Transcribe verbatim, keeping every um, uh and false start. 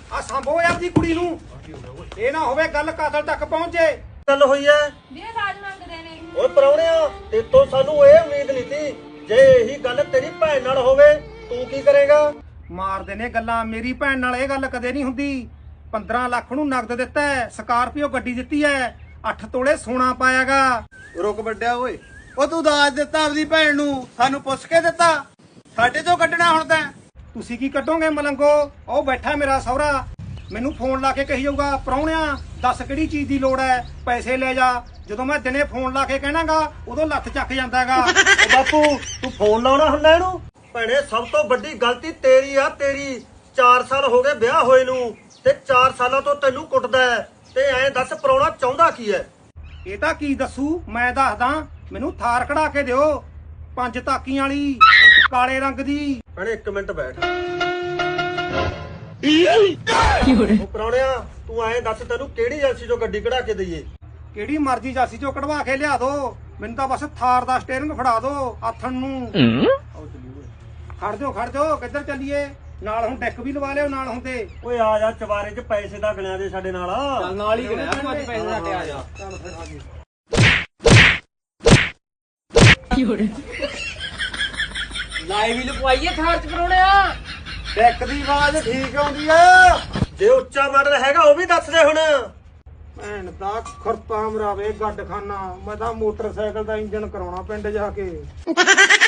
ਆ ਸੰਭੋ ਯਾਰ ਦੀ ਕੁੜੀ ਨੂੰ ਇਹ ਨਾ ਹੋਵੇ ਗੱਲ ਕਾਤਲ ਤੱਕ ਪਹੁੰਚੇ। ਗੱਲ ਹੋਈ ਐ ਵੀਰੇ ਦਾਜ ਮੰਗਦੇ ਨੇ। ਓਏ ਪ੍ਰਾਹੁਣਿਆ ਤੇਤੋਂ ਸਾਨੂੰ ਇਹ ਉਮੀਦ ਨਹੀਂ ਸੀ। ਜੇ ਇਹੀ ਗੱਲ ਤੇਰੀ ਭੈਣ ਨਾਲ ਹੋਵੇ ਤੂੰ ਕੀ ਕਰੇਗਾ? ਮਾਰਦੇ ਨੇ ਗੱਲਾਂ। ਮੇਰੀ ਭੈਣ ਨਾਲ ਇਹ ਗੱਲ ਕਦੇ ਨਹੀਂ ਹੁੰਦੀ। ਪੰਦਰਾਂ ਲੱਖ ਨੂੰ ਨਗਦ ਦਿੱਤਾ ਹੈ, ਸਕਾਰਪੀਓ ਗੱਡੀ ਦਿੱਤੀ ਹੈ, ਅੱਠ ਤੋਲੇ ਸੋਨਾ ਪਾਇਆਗਾ। ਰੁਕ ਵੱਡਿਆ ਓਏ, ਉਹ ਤੂੰ ਦਾਜ ਦਿੱਤਾ ਆਪਦੀ ਭੈਣ ਨੂੰ, ਸਾਨੂੰ ਪੁੱਛ ਕੇ ਦਿੱਤਾ? ਸਾਡੇ ਤੋਂ ਕੱਢਣਾ ਹੁਣ ਤਾਂ। ਤੁਸੀਂ ਕੀ ਕੱਢੋਗੇ ਮਲੰਗੋ? ਉਹ ਬੈਠਾ ਮੇਰਾ ਸਹੁਰਾ, ਮੈਨੂੰ ਫੋਨ ਲਾ ਕੇ ਕਹੀ ਜਾਊਗਾ ਪ੍ਰਾਹੁਣਿਆ ਦੱਸ ਕਿਹੜੀ ਚੀਜ਼ ਦੀ ਲੋੜ ਹੈ, ਪੈਸੇ ਲੈ ਜਾ। ਜਦੋਂ ਮੈਂ ਦਿਨੇ ਫੋਨ ਲਾ ਕੇ ਕਹਿਣਾਗਾ ਉਦੋਂ ਲੱਤ ਚੱਕ ਜਾਂਦਾ ਹੈਗਾ। ਓ ਬਾਪੂ ਤੂੰ ਫੋਨ ਲਾਉਣਾ ਹੁੰਦਾ ਇਹਨੂੰ? ਭੈਣੇ ਸਭ ਤੋਂ ਵੱਡੀ ਗਲਤੀ ਤੇਰੀ ਆ ਤੇਰੀ। ਚਾਰ ਸਾਲ ਹੋ ਗਏ ਵਿਆਹ ਹੋਏ ਨੂੰ ਤੇ ਚਾਰ ਸਾਲਾਂ ਤੋਂ ਤੈਨੂੰ ਕੁੱਟਦਾ ਹੈ ਤੇ ਐਂ ਦੱਸ ਪ੍ਰਾਹੁਣਾ ਚਾਹੁੰਦਾ ਕੀ ਹੈ? ਇਹ ਤਾਂ ਕੀ ਦੱਸੂ ਮੈਂ ਦੱਸਦਾ। ਮੈਨੂੰ ਥਾਰ ਕਢਾ ਕੇ ਦਿਓ ਪੰਜ ਤਾਕੀਆਂ ਵਾਲੀ ਕਾਲੇ ਰੰਗ ਦੀ। ਭੈਣੇ ਇੱਕ ਮਿੰਟ ਬੈਠ। ਉਹ ਪ੍ਰਾਹੁਣਿਆ ਤੂੰ ਐਂ ਦੱਸ ਤੈਨੂੰ ਕਿਹੜੀ ਏਜੰਸੀ ਚੋਂ ਗੱਡੀ ਕਢਾ ਕੇ ਦਈਏ? ਕਿਹੜੀ ਮਰਜ਼ੀ ਜਾਸੀ ਚੋਂ ਕਢਵਾ ਕੇ ਲਿਆ ਦੋ, ਮੈਨੂੰ ਤਾਂ ਬਸ ਥਾਰ ਦਾ ਸਟੀਅਰਿੰਗ ਫੜਾ ਦੋ ਆਥਣ ਨੂੰ। ਖੜ ਜਾਓ ਖੜ ਜਾਓ, ਕਿੱਧਰ ਚੱਲੀਏ? ਨਾਲ ਹੁਣ ਡੈਕ ਵੀ ਲਵਾ ਲਿਓ ਨਾਲ ਹੁੰਦੇ। ਓਏ ਆ ਜਾ ਚਵਾਰੇ 'ਚ ਪੈਸੇ ਦਾ ਗਣਿਆ ਦੇ ਸਾਡੇ ਨਾਲ। ਚੱਲ ਨਾਲ ਹੀ ਗਿਣਿਆ ਤੂੰ ਅੱਜ ਪੈਸੇ ਲੈ ਕੇ ਆ ਜਾ। ਚੱਲ ਫਿਰ ਆ ਜੀ। ਲਾਈਵ ਵੀ ਲਪਵਾਈਏ ਥਾਰ ਚ ਪਰੋਣਿਆ। ਡੈਕ ਦੀ ਆਵਾਜ਼ ਠੀਕ ਆਉਂਦੀ ਆ। ਜੇ ਉੱਚਾ ਮਾਡਲ ਹੈਗਾ ਉਹ ਵੀ ਦੱਸ ਦੇ ਹੁਣ। ਭੈਣ ਦਾ ਖੁਰਪਾ ਮਰਾਵੇ ਗੱਡ ਖਾਨਾ। ਮੈਂ ਤਾਂ ਮੋਟਰਸਾਈਕਲ ਦਾ ਇੰਜਨ ਕਰਾਉਣਾ ਪਿੰਡ ਜਾ ਕੇ।